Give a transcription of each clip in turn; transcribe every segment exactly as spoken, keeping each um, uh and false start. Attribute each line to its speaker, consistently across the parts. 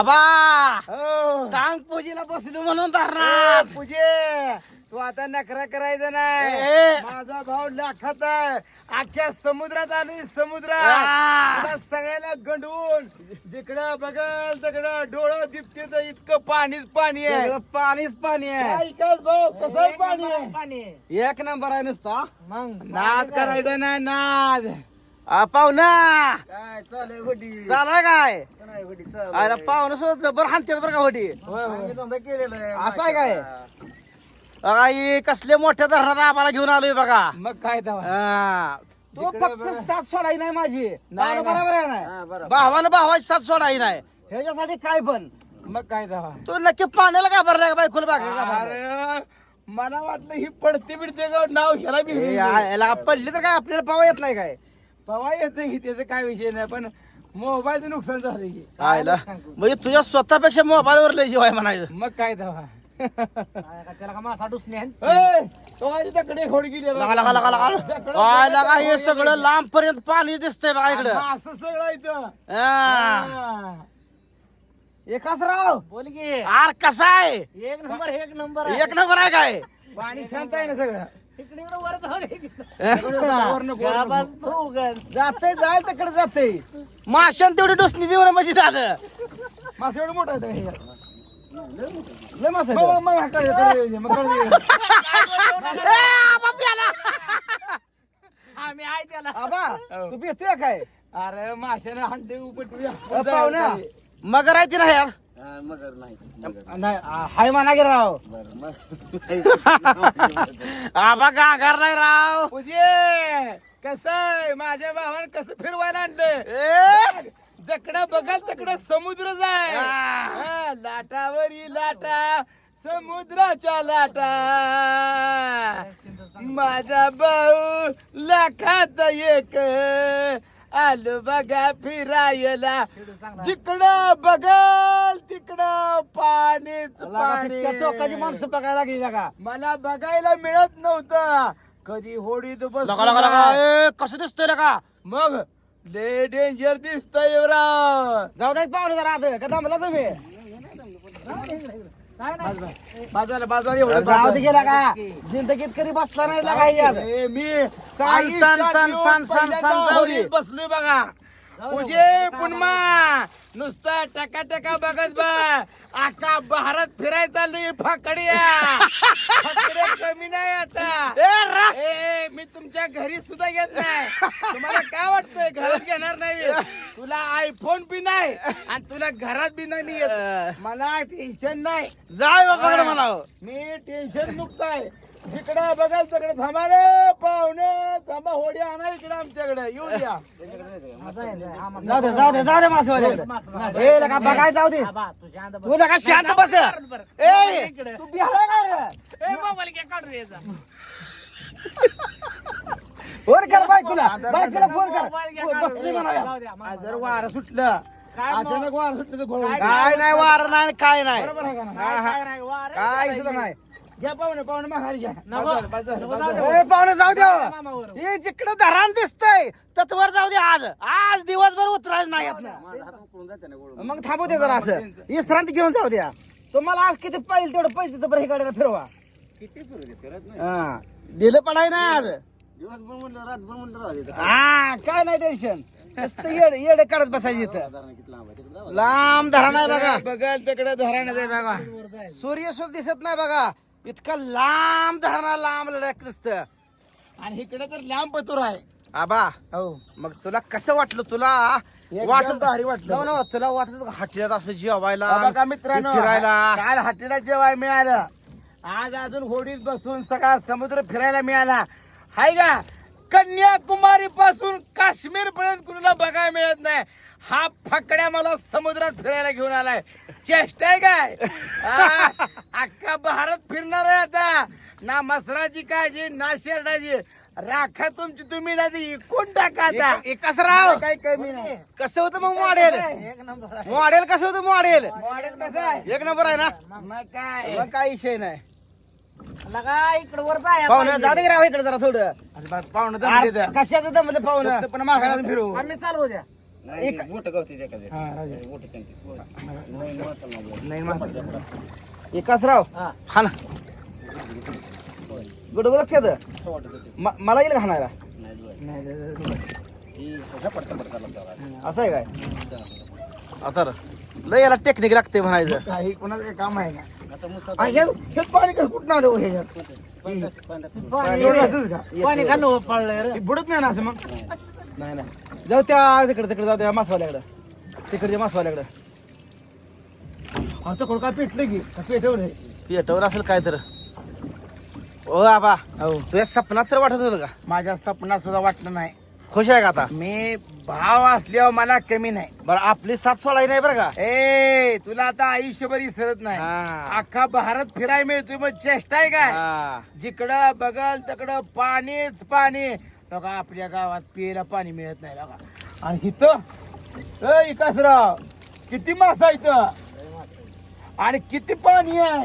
Speaker 1: बाबा
Speaker 2: हो.
Speaker 1: सांग पूजेला बसलो म्हणून धरणार
Speaker 2: पूजे तू आता नखरा करायचा नाही.
Speaker 1: ए.
Speaker 2: माझा भाऊ लाखात आहे. अख्ख्या समुद्रात आली समुद्रात.
Speaker 1: आ.
Speaker 2: तुला सगळ्याला गंडवून जिकडं बघल तिकडं डोळं दिपते तर इतकं पाणीच पाणी आहे.
Speaker 1: सगळं पाणीच पाणी आहे
Speaker 2: ऐकाच भाऊ कसं पाणी आहे.
Speaker 3: पाणी
Speaker 1: एक नंबर आहे नुसता
Speaker 3: मग
Speaker 2: नाद करायचा नाही नाद.
Speaker 1: आ, पाहुणा
Speaker 2: काय चालय होडी
Speaker 1: चालाय काय
Speaker 2: काय होडी चालू
Speaker 1: अरे पाहुणा सुद्धा जबर हाणते बरं का होती
Speaker 2: आम्ही धंदा केलेला आहे.
Speaker 1: असं आहे काय? बघा ही कसले मोठ्या धरणात आम्हाला घेऊन आलोय बघा
Speaker 2: मग काय तेव्हा
Speaker 1: हा. तो
Speaker 2: जिकडं
Speaker 1: फक्त
Speaker 2: बघा.
Speaker 1: साथ सोडाई नाही माझी
Speaker 2: नाही.
Speaker 1: बरोबर आहे
Speaker 2: हा,
Speaker 1: ना
Speaker 2: बरोबर.
Speaker 1: भावानं भावाची साथ सोडाई नाही ह्याच्यासाठी काय पण
Speaker 2: मग काय तेव्हा
Speaker 1: तू नक्की पाण्याला का भरलाय का बायकोला बागेला का भरलाय?
Speaker 2: अरे मला वाटलं ही पडते बिडते का नाव ह्याला बी
Speaker 1: ए, या- याला पडली तर काय आपल्याला पावा येत नाही काय
Speaker 2: पवा येते की त्याचा काय विषय नाही पण मोबाईलचं नुकसान झालं की.
Speaker 1: आयला म्हणजे तुझ्या स्वतःपेक्षा मोबाईलवर लय जीव आहे म्हणायचं
Speaker 2: मग काय तेव्हा
Speaker 3: त्याला का मासा डुसणे
Speaker 2: ए, तो आज इकडे खोड गेली
Speaker 1: लगा लगा लगा लगा आय लगा हे सगळं लांब पर्यंत पाणी दिसतंय बघा इकडं
Speaker 2: असं सगळं इथं
Speaker 1: हा.
Speaker 2: हा.
Speaker 1: एकाच राव
Speaker 3: बोल की
Speaker 1: आर कसा आहे
Speaker 3: एक नंबर एक नंबर
Speaker 1: एक नंबर आहे काय
Speaker 2: पाणी शांत आहे ना सगळं
Speaker 3: इकडे इकडे वर जाऊ दे.
Speaker 2: वरनं-
Speaker 3: जा
Speaker 2: वरनं-
Speaker 3: बस तू उघड.
Speaker 1: जाते जाय तिकडे जाते माशान तेवढी डोसणी देऊ ना म्हणजे झालं
Speaker 2: मासे एवढं मोठं आहे ते.
Speaker 1: लय मासा
Speaker 2: मग- मग- मग हाकायचं, कडे येऊ दे, मग कडे येऊ दे.
Speaker 3: आम्ही आहे त्याला
Speaker 1: आबा
Speaker 2: हो.
Speaker 1: तू भेटतोय काय
Speaker 2: अरे माशाने हांडे उपटूया
Speaker 1: अ, पाहुण्या मगर आहे ती ना यार
Speaker 2: मगर नाही
Speaker 1: नाही आ, हाय म्हणा की राव आबा गांगार नाही राव
Speaker 2: पूजे कसं आहे माझ्या भावानं कसं फिरवायला आणलं
Speaker 1: ए
Speaker 2: जकडं बघाल तिकडं समुद्र जाय
Speaker 1: आ.
Speaker 2: लाटावरी लाटा समुद्राच्या लाटा माझा भाऊ लाखात एक आलो बघा फिरायला जिकडं बघल तिकडं पाणीच पाणी
Speaker 1: त्या टोकाची माणसं बघायला लागली का
Speaker 2: मला बघायला मिळत नव्हतं कधी होडीत बस
Speaker 1: लगा लगा लगा ए कसं दिसतोय का
Speaker 2: मग लय डेंजर दिसतंय राव
Speaker 1: जाऊ दे पाहुणे जरा आता का थांबला तुम्ही
Speaker 3: काय नाही
Speaker 2: बाजारला बाजार एवढं
Speaker 1: जाऊ दे
Speaker 2: बाजार.
Speaker 1: गेला का जिंदगीत कधी बसला नाही लागा यात
Speaker 2: ए, मी
Speaker 1: सन, सन, सन, सन, सन, सन, जाऊ दे.
Speaker 2: बसलोय बघा तुझे पुन्हा नुसता टका टका बघत बा आका भारत फिरायला चाललोय फाकड्या फाकड्या कमी नाही आता
Speaker 1: ए रा
Speaker 2: ए मी तुमच्या घरी सुद्धा येत नाही तुम्हाला काय वाटतंय घरात घेणार नाही तुला आयफोन बी नाही आणि तुला घरात बी नाही येत मला टेन्शन नाही
Speaker 1: जाय बाबाकडे मला
Speaker 2: मी टेन्शन मुक्त आहे जिकडे बघाल तिकडे थांबा रे पाहुणे थांबा होडी आणा इकडे आमच्याकडे येऊ द्या
Speaker 1: जाऊ दे जाऊ दे जाऊ दे मासवाल्याकडे ए लगा बघाय जाऊ दे
Speaker 3: आबा, तू शांत बस.
Speaker 1: तू लगा शांत बस
Speaker 3: बरं.
Speaker 1: ए
Speaker 3: इकडे.
Speaker 1: तू बिहार का रे
Speaker 3: ए, मोबाईल घे, काढ रे याचा.
Speaker 1: फोन कर बायकोला बायकोला फोन
Speaker 3: मोबाईल घे,
Speaker 1: कर
Speaker 3: काढ
Speaker 1: बसली
Speaker 3: रे.
Speaker 1: म्हणाव्या
Speaker 3: जाऊ द्या, मग
Speaker 2: आज जर वारं सुटलं
Speaker 3: काय मग?
Speaker 2: अचानक वारं सुटलं तर घोळ
Speaker 3: काय-
Speaker 1: काय नाही वार नाही काय नाही
Speaker 2: बरोबर आहे का ना?
Speaker 1: हा, हा.
Speaker 3: काय नाही, वा रे.
Speaker 1: काय सुद्धा नाही
Speaker 2: घ्या पाहुणे पाहुणे माघारी घ्या
Speaker 3: नको.
Speaker 2: बाजार बाजार
Speaker 3: नको,
Speaker 2: बाजार.
Speaker 3: जाऊ दे.
Speaker 1: ए पाहुणे जाऊ द्या
Speaker 3: मामावर.
Speaker 1: हे जिकडं धरण दिसतंय तत्वर जाऊ दे आज आज दिवसभर उतरायचं नाही आपलं मग थांबू दे जरा असं विश्रांती घेऊन जाऊ द्या तुम्हाला आज किती पाहिजे तेवढं पैसे तर बरं हे गाडीला फिरवा
Speaker 2: किती फिरू दे, फिरत नाही.
Speaker 1: हा दिलं पडाय नाही आज
Speaker 2: दिवसभर म्हणलं रातभर म्हणलं राहू दे.
Speaker 1: हा काय नाही टेन्शन नुसतं येड येडे काढत बसायची इथं
Speaker 2: साधारण किती लांब आहे तिकडे जाऊ.
Speaker 1: लांब धरण आहे बघा
Speaker 2: बघाल तिकडे धराण्यात आहे बघा
Speaker 3: वर जायचं.
Speaker 1: सूर्य सुद्धा दिसत नाही बघा इतकं लांब धरणा लांब लढक नुसतं
Speaker 2: आणि इकडे तर लांब पतूर आहे
Speaker 1: आबा
Speaker 2: हो
Speaker 1: मग तुला कसं वाटलं तुला
Speaker 2: एकदम
Speaker 1: वाटत
Speaker 2: भारी वाटलं.
Speaker 1: हो ना, तुला वाटत हटल्यात असं जेवायला
Speaker 2: बघा मित्रांनो
Speaker 1: फिरायला
Speaker 2: काल हॉटेलला जेवाय मिळालं आज अजून होडीत बसून सगळा समुद्र फिरायला मिळाला हाय का कन्याकुमारी पासून काश्मीर पर्यंत कुणाला बघायला मिळत नाही हा फकड्या मला समुद्रात फिरायला घेऊन आलाय चेष्टा आहे काय आ, अख्खा भारत फिरणार आहे आता ना मसराची काळजी ना शेरडाची राखा तुमची तुम्ही नाही कोण टाका आता
Speaker 1: एक- एकच राव
Speaker 2: काही कमी नाही
Speaker 1: कसं होतं मग मॉडेल
Speaker 3: एक नंबर आहे.
Speaker 1: मॉडेल कसं होतं मॉडेल
Speaker 2: मॉडेल कसं आहे
Speaker 1: एक नंबर आहे ना
Speaker 2: मग काय
Speaker 1: मग काही विषय नाही
Speaker 3: लगा इकडे वर जाय
Speaker 1: पाहुणं जाऊ दे की राव इकडे जरा थोडं
Speaker 2: पाहुणं
Speaker 1: अरे, कशाचं दमलं पाहुणं
Speaker 2: पण माघारातून फिरू
Speaker 3: आम्ही चालू द्या
Speaker 1: एक
Speaker 2: मोठं गवती ते एखादं.
Speaker 1: हा, राजा.
Speaker 2: मोठं चंकी. नाही, माणसाला नाही.
Speaker 1: नाही माहिती. विकासराव
Speaker 3: हा.
Speaker 1: हा ना गुडगुड लक्षात
Speaker 2: वाटत होते.
Speaker 1: म- मला येईल का हाणायला
Speaker 2: नाही, जुळाय.
Speaker 1: नाही, नाही, नाही, नाही.
Speaker 2: ती झपाट झपाट चालत जावा.
Speaker 1: असं आहे काय आता रे. लय याला टेक्निक लागते म्हणायचं
Speaker 3: काही कोणाचं काही काम आहे का
Speaker 2: आता मुसा
Speaker 1: आ, हे- हेच पाणी कसं कुठं आलं हो ह्याच्यात
Speaker 2: पांढऱ्या- पांढऱ्या-
Speaker 3: पाणी
Speaker 1: एवढं असंच का?
Speaker 3: पाणी खाल्लं पडलं रे
Speaker 1: हे बुडत नाही ना असं मग नाही नाही जाऊ त्या तिकडे तिकडे जाऊ त्या मासवाल्याकडं तिकडच्या मासवाल्याकडं
Speaker 3: आमचं कोण काय पेटलं की का पेटवलं
Speaker 1: पेटवर असेल काय तर ओ आबा
Speaker 3: हो
Speaker 1: तुझ्या सपनात तर वाटत होतं का
Speaker 2: माझ्या सपनात सुद्धा वाटलं नाही.
Speaker 1: खुश आहे का आता
Speaker 2: मी भाव असल्यावर मला कमी नाही.
Speaker 1: बरं आपली साथ सोडाई नाही बरं का
Speaker 2: ए तुला आता आयुष्यभर विसरत नाही.
Speaker 1: हा.
Speaker 2: अख्खा भारत फिराय मिळतोय मग चेष्टा आहे काय.
Speaker 1: हा.
Speaker 2: जिकडं बघल तिकडं पाणीच पाणी. बघा आपल्या गावात पियला पाणी मिळत नाही बघा. आणि इथं ए विकासराव किती मासा इथं आणि किती पाणी आहे.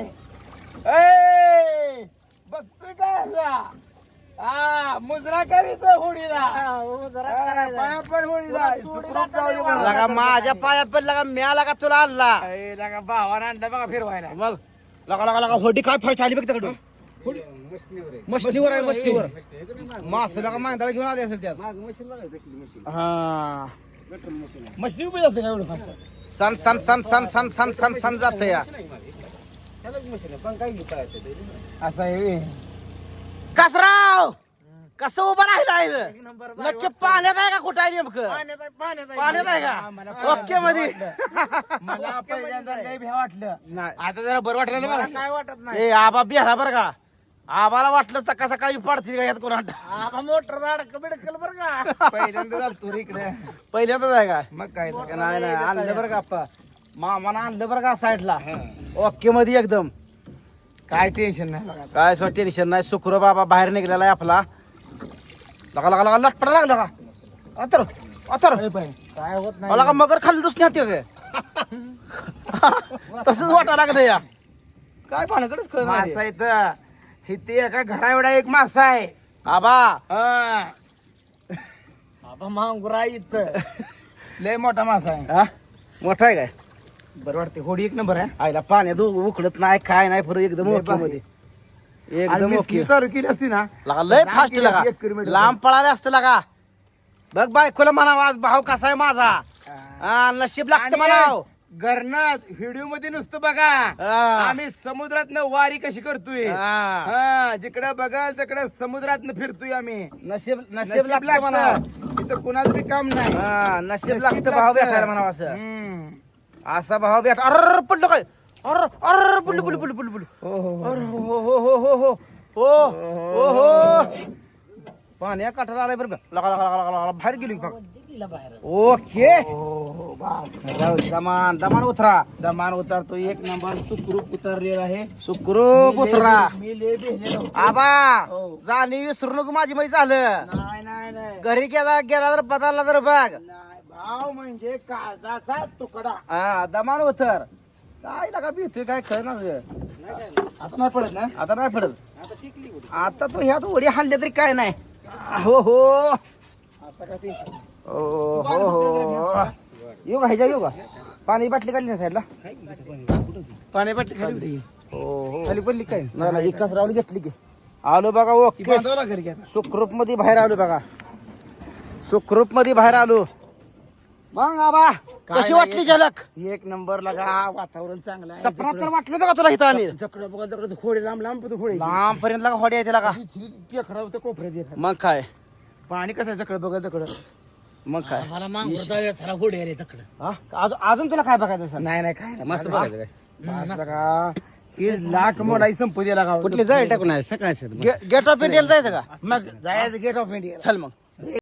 Speaker 2: ए बघतोय काय असा हा मुजरा करीत होडीला
Speaker 3: हो, जरा
Speaker 2: हा,
Speaker 3: करायचं.
Speaker 2: पाया पण होडीला सुखरूप जाऊ दे मला.
Speaker 1: लगा माझ्या पाया पडला का म्याला का तुला आणला
Speaker 2: ए, लगा भावानं आणला बघा फिरवायला.
Speaker 1: मग लगा लगा लगा होडी काय फायची आली बघ तिकडून मशनीवर आहे मशनीवर मास लगा मांदाला घेऊन आले असेल त्यात हा
Speaker 2: मशनी उभी जाते का एवढं फास्ट?
Speaker 1: सन सन सन सन सन सन सन सन जात या
Speaker 2: असं आहे.
Speaker 1: कसराव कसं उभं राहिलाय
Speaker 3: एक नंबर
Speaker 1: नक्की पाण्यात आहे का कुठं आहे नेमकं
Speaker 3: पाण्यात आहे, पाण्यात आहे.
Speaker 1: पाण्यात आहे
Speaker 2: हा, मला
Speaker 1: का ओके मध्ये
Speaker 2: मला पहिल्यांदा लय भ्या वाटलं.
Speaker 1: नाही
Speaker 2: आता जरा बरं वाटलं ना
Speaker 3: मला
Speaker 2: मला.
Speaker 3: काय वाटत नाही
Speaker 1: ए आबा बिहारा बरं का आबाला वाटलं सकाळ सकाळी पडतील का यात कोणा
Speaker 3: आबा मोटर झाड बिडकल बर का
Speaker 2: पहिल्यांदा झालं तू रे इकडे.
Speaker 1: पहिल्यांदाच आहे का
Speaker 2: मग काय तर.
Speaker 1: नाही नाही आणलं बरं का आप्पा मामानं आणलं बरं का साईडला ओके मध्ये एकदम
Speaker 2: काय टेन्शन नाही बघा.
Speaker 1: काय सो टेन्शन नाही शुक्र बाबा बाहेर निघलेला आहे आपला लगा लगा लगा लटपटा लागला का अतर अतर
Speaker 3: काय होत नाही
Speaker 1: मला का मगर खाली दुसण्या ते तसंच वाटा लागलं या काय पाण्याकडेच कळ
Speaker 2: मासा इथं इथे एका घरा एवढा एक मासा आहे.
Speaker 1: आबा
Speaker 2: हा.
Speaker 3: आबा मांगुरा इथं
Speaker 2: लय मोठा मासा आहे.
Speaker 1: हा? मोठा आहे काय
Speaker 2: बरं वाटते होडी एक नंबर आहे.
Speaker 1: आईला पाण्यात उ- उकळत नाही काय नाही फरक एकदम
Speaker 2: लय
Speaker 1: ओके
Speaker 2: भारी.
Speaker 1: मध्ये
Speaker 2: आणि
Speaker 1: एकदम
Speaker 2: मी
Speaker 1: ओके
Speaker 2: स्कीम चालू केली असती ना
Speaker 1: लगा लय
Speaker 2: लांब
Speaker 1: फास्ट
Speaker 2: गेली
Speaker 1: लगा
Speaker 2: असती एक किलोमीटर.
Speaker 1: लांब पळाले असते लगा बघ बायकोला म्हणावं आज भाव कसा आहे माझा हा, नशीब लागतं म्हणाव
Speaker 2: घरनात व्हिडिओ मध्ये नुसतं बघा
Speaker 1: हा.
Speaker 2: आम्ही समुद्रात वारी कशी करतोय.
Speaker 1: हा.
Speaker 2: हा, जिकडे बघाल तिकडे समुद्रात फिरतोय आम्ही.
Speaker 1: नशीब नशीब
Speaker 2: नशीब
Speaker 1: लागतं म्हणावं
Speaker 2: लागतं. इथं कुणाचं बी काम नाही.
Speaker 1: हा, नशीब
Speaker 2: नशीब
Speaker 1: लागतं भाव
Speaker 2: लागतं.
Speaker 1: भेटायला म्हणावं असं
Speaker 2: हम्म.
Speaker 1: असा भाव भेट अर पडलं काय अर अर पडलं पडलं पडलं पडलं पडलं
Speaker 2: हो, हो, हो.
Speaker 1: अरे हो हो हो हो हो हो हो हो पाण्या काठाला आलाय बरं का लगा लगा लगा लगा लगा बाहेर गेली फक्त
Speaker 3: दिला बाहेर
Speaker 1: ओके
Speaker 2: हो, हो, बस.
Speaker 1: जाऊ दे, दमान दमान उतरा
Speaker 2: दमान उतरतो एक नंबर सुखरूप उतरलेला आहे.
Speaker 1: सुखरूप उतरा
Speaker 2: मी लय भेटलेलो.
Speaker 1: आबा
Speaker 2: हो.
Speaker 1: जाणी विसरू नको माझी माही झालं
Speaker 2: नाही नाही नाही
Speaker 1: घरी गेला गेला तर बदलला तर बघ
Speaker 2: नाही, भाव म्हणजे काळजाचा तुकडा.
Speaker 1: हा दमान उतर काय लागा भीतोय काय खरं ना
Speaker 2: आता नाही पडत ना.
Speaker 1: आता नाही पडत आता तो ह्यात उडी हाणल्या तरी काय नाही हो हो
Speaker 2: आता काय टेन्शन नाही.
Speaker 1: हो हो हो येऊ का ह्याच्या येऊ का पाणी बाटली काढली ना साईडला
Speaker 2: पाणी बाटली खाली होती.
Speaker 1: हो हो
Speaker 2: खाली पडली काय
Speaker 1: नाही नाही एकाच रावली घेतली की आलो बघा ओके
Speaker 2: बांधावं लागेल की आता.
Speaker 1: सुखरूप मध्ये बाहेर आलो बघा सुखरूप मध्ये बाहेर आलो मग आबा कशी वाटली झलक
Speaker 2: एक नंबर लगा वातावरण चांगलं आहे.
Speaker 1: सपनात तर वाटलं होतं का तुला इथं आणि
Speaker 2: जकडं बघा जकडं खोडे लांब लांब पण खोडे
Speaker 1: लांब पर्यंत लागा होडी येते लागा
Speaker 2: केकडा होतं कोपऱ्यात येतात.
Speaker 1: मग काय
Speaker 2: पाणी कसं आहे जकडं बघा जकडं.
Speaker 1: मग काय
Speaker 3: मला मांगुर जाऊया चला होडी रे तकडं
Speaker 1: हा? अजून अजून तुला काय बघायचं सर
Speaker 2: नाही नाही काय नाही.
Speaker 1: मस्त
Speaker 2: बस
Speaker 1: बघायचं काय
Speaker 2: लगा हे लाख मोडाई संपू दे लागा.
Speaker 1: कुठली जाय टाकून सकाळी गेट ऑफ इंडियाला जायचं का
Speaker 2: मग जायचं गेट ऑफ इंडिया.
Speaker 1: चल मग